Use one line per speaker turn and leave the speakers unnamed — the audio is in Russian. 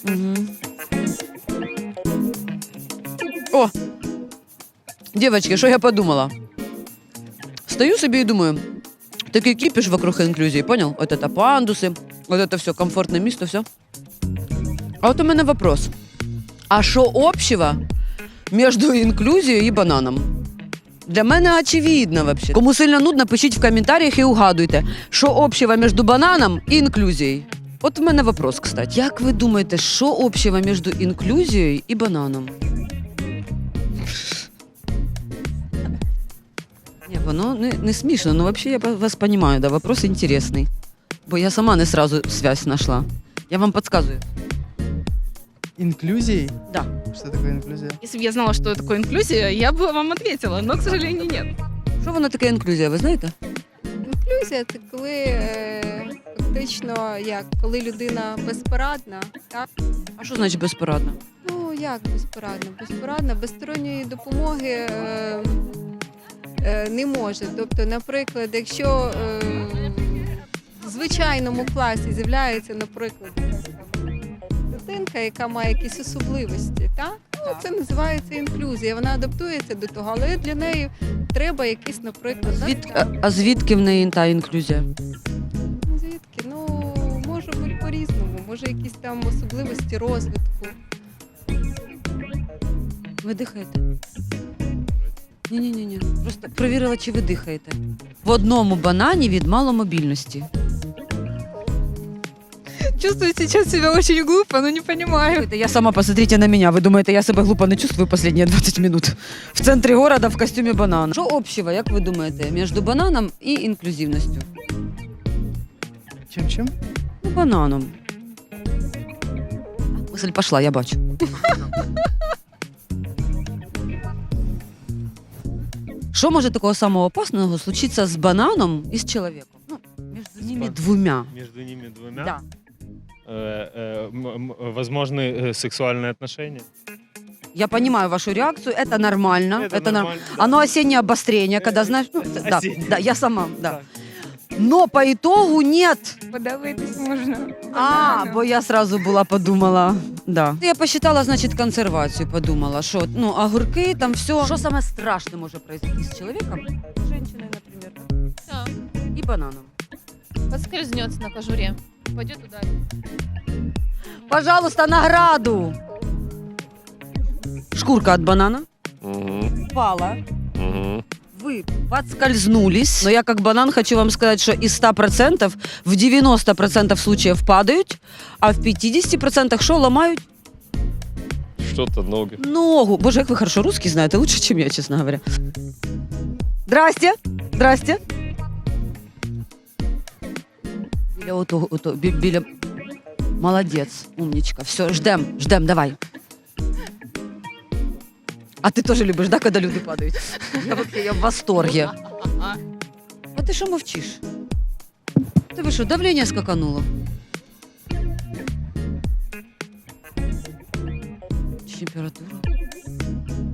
Мгм. О! Девочки, що я подумала? Стою собі і думаю, такий кіпіш вокруг інклюзії, понял? Вот это пандуси, вот это все, комфортне місто, все. А от у мене вопрос. А що общего між інклюзією і бананом? Для мене очевидно вообще. Кому сильно нудно, пишіть в коментарях і угадуйте, що общего між бананом і інклюзією. От в мене вопрос, кстати. Як ви думаєте, що общего між інклюзією і бананом? Ні, воно не смішно, но вообще я вас понимаю, да, вопрос интересный. Бо я сама не сразу связь нашла. Я вам подсказываю.
Инклюзией?
Да.
Что такое инклюзия?
Если бы я знала, что такое инклюзия, я бы вам ответила, но, к сожалению, нет.
Що воно таке інклюзія, ви знаєте?
Інклюзія це коли фактично коли людина безпорадна, так?
А що значить безпорадна?
Ну як безпорадна? Безпорадна, без сторонньої допомоги не може. Тобто, наприклад, якщо в звичайному класі з'являється, наприклад, дитинка, яка має якісь особливості, так? Ну, це називається інклюзія. Вона адаптується до того, але для неї треба якісь, наприклад,
А звідки в неї та інклюзія?
звідки? Ну, може бути по-різному, може якісь там особливості розвитку.
Ви дихаєте? Ні. Просто перевірила, чи ви дихаєте. В одному банані від маломобільності.
Чувствую сейчас себя очень глупо, но не понимаю.
Я сама, посмотрите на меня. Вы думаете, я себе глупо не чувствую последние 20 минут? В центрі города в костюмі банана. Що общего, як ви думаєте, між бананом і інклюзивністю?
Чем-чем?
Ну, бананом. Мысль пошла, я бачу. Що може такого самого опасного случиться з бананом і з чоловіком? Ну, між ними двома.
Между ними двумя?
Да.
Возможны сексуальные отношения?
Я понимаю вашу реакцию, это нормально.
Это нормально, да.
Оно осеннее обострение, когда, знаешь, ну, да,
Осеннее.
да, я сама, да.
Так.
Но по итогу нет.
Подавитись можно.
Бо я сразу была подумала, да. Я посчитала, значит, консервацию, подумала, что, ну, огурки, там все. Что самое страшное может произойти с человеком? С женщиной, например,
Да.
и бананом.
Поскользнется на кожуре. Пойдет туда.
Пожалуйста, награду. Шкурка от банана упала. Вы подскользнулись. Но я как банан хочу вам сказать, что из 100% в 90% случаев падают, а в 50% что ломают?
Что-то ноги.
Ногу. Боже, как вы хорошо русский знаете, лучше, чем я, честно говоря. Здрасте. Здрасте. Біля... Молодец, умничка. Все, ждем, давай. А ты тоже любишь, да, когда люди падают? Я в восторге. А ты что мовчишь? Ты вы что, давление скакануло? Температура?